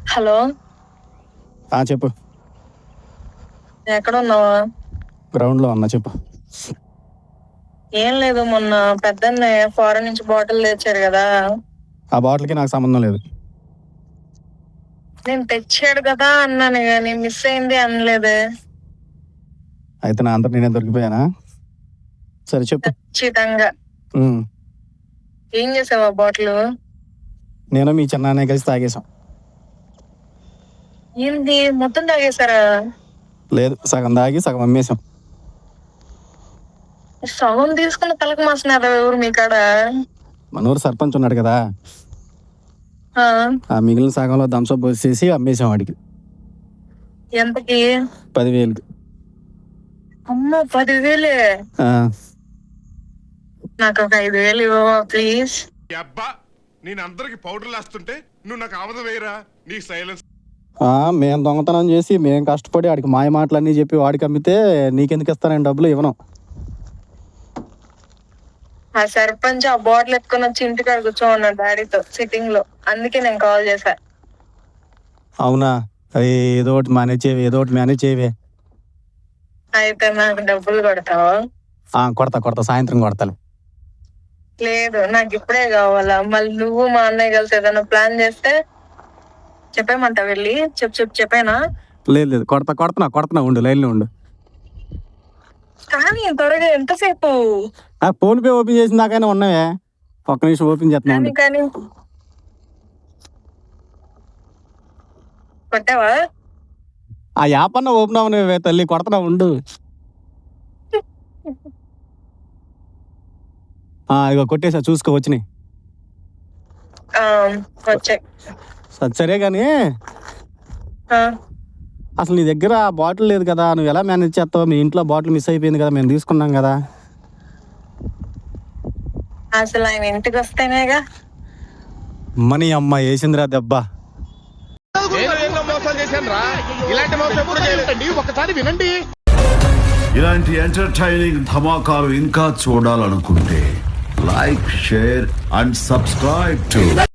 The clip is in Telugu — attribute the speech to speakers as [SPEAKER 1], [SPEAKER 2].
[SPEAKER 1] హలో.
[SPEAKER 2] చెప్పు.
[SPEAKER 1] ఎక్కడ ఉన్నావా?
[SPEAKER 2] గ్రౌండ్ లో ఉన్నా, చెప్పు.
[SPEAKER 1] ఏం లేదు, మొన్న పెద్దన్నే ఫారెన్ నుంచి బాటిల్ తెచ్చారు కదా.
[SPEAKER 2] ఆ బాటిల్కి నాకు సంబంధం లేదు.
[SPEAKER 1] నేను తెచ్చాడు కదా అన్నాను కానీ మిస్ అయింది అనలేదే.
[SPEAKER 2] అయితే నా అంతా నేనే దొరికిపోయానా? సరే చెప్పు.
[SPEAKER 1] ఖచ్చితంగా. ఏం చేసావా బాటిల్?
[SPEAKER 2] నేను మీ చిన్నాన్న కలిసి తాగేశాం.
[SPEAKER 1] ఏంది మొత్తం తాగేశారా?
[SPEAKER 2] లేదు, సగం తాగి సగం అమ్మేశాం.
[SPEAKER 1] సగం తీసుకుని తలకు మాసినారా ఎవరు మీ కాడ?
[SPEAKER 2] మన ఊరు సర్పంచ్ ఉన్నాడు కదా,
[SPEAKER 1] ఆ
[SPEAKER 2] మిగిలిన సగంలో థమ్స్అప్ పోసేసి అమ్మేశాం వాడికి.
[SPEAKER 1] ఎంతకి?
[SPEAKER 2] 10,000.
[SPEAKER 1] అమ్మ 10,000? నాకు ఒక 5,000 ఇవ్వవా ప్లీజ్?
[SPEAKER 3] అబ్బా, నేను అందరికి పౌడర్లు వేస్తుంటే నువ్వు నాకు ఆమదం వేయరా? నీ సైలెన్స్.
[SPEAKER 2] మేము దొంగతనం చేసి మేము కష్టపడి వాడికి మాయ మాటలన్నీ చెప్పి వాడికి అమ్మితే నీకెందుకు ఇస్తానని డబ్బులు ఇవ్వను.
[SPEAKER 1] ఆ సర్పంచ్ ఆ బాటిల్ ఎత్తుకొని వచ్చి ఇంటికాడ కూర్చోమన్నాడు డాడీతో సిట్టింగ్ లో, అందుకే నేను కాల్ చేశా.
[SPEAKER 2] అవునా? అది ఏదో ఒకటి మేనేజ్ చేయవే.
[SPEAKER 1] అయితే నాకు డబ్బులు కొడతావా?
[SPEAKER 2] కొడతా, సాయంత్రం కొడతాను.
[SPEAKER 1] లేదు, నాకు ఇప్పుడే కావాలా. మళ్ళీ నువ్వు మా అన్నయ్య కలిసి ఏదైనా ప్లాన్ చేస్తే చెప్పేమంటా వెళ్ళి చెప్పేనా?
[SPEAKER 2] లేదు, కొడుతున్నా, ఉండు, లైన్లో ఉండు.
[SPEAKER 1] కానీ త్వరగా, ఎంతసేపు?
[SPEAKER 2] ఫోన్ పే ఓపెన్ చేసిన దాకైనా ఉన్నావే, ఒక్క నిమిషం ఓపెన్ చేస్తున్నా.
[SPEAKER 1] కానీ కొట్టావా?
[SPEAKER 2] ఆ యాప్ అన్న ఓపెన్ అవ్వనివే తల్లి, కొడుతున్నా, ఉండు. ఇక కొట్టేసా, చూసుకో వచ్చినాయి.
[SPEAKER 1] వచ్చాయి.
[SPEAKER 2] సరే కానీ అసలు నీ దగ్గర బాటిల్ లేదు కదా, నువ్వు ఎలా మేనేజ్ చేస్తావు? మీ ఇంట్లో బాటిల్ మిస్ అయిపోయింది కదా, మేము తీసుకున్నాం కదా.
[SPEAKER 1] అసలు ఆయన ఇంటికి వస్తేనేగా.
[SPEAKER 2] మనీ అమ్మ వేసిందిరా దెబ్బ.
[SPEAKER 4] ఇలాంటి ఎంటర్టైనింగ్ ధమాకాలు ఇంకా చూడాలనుకుంటే like, share and subscribe to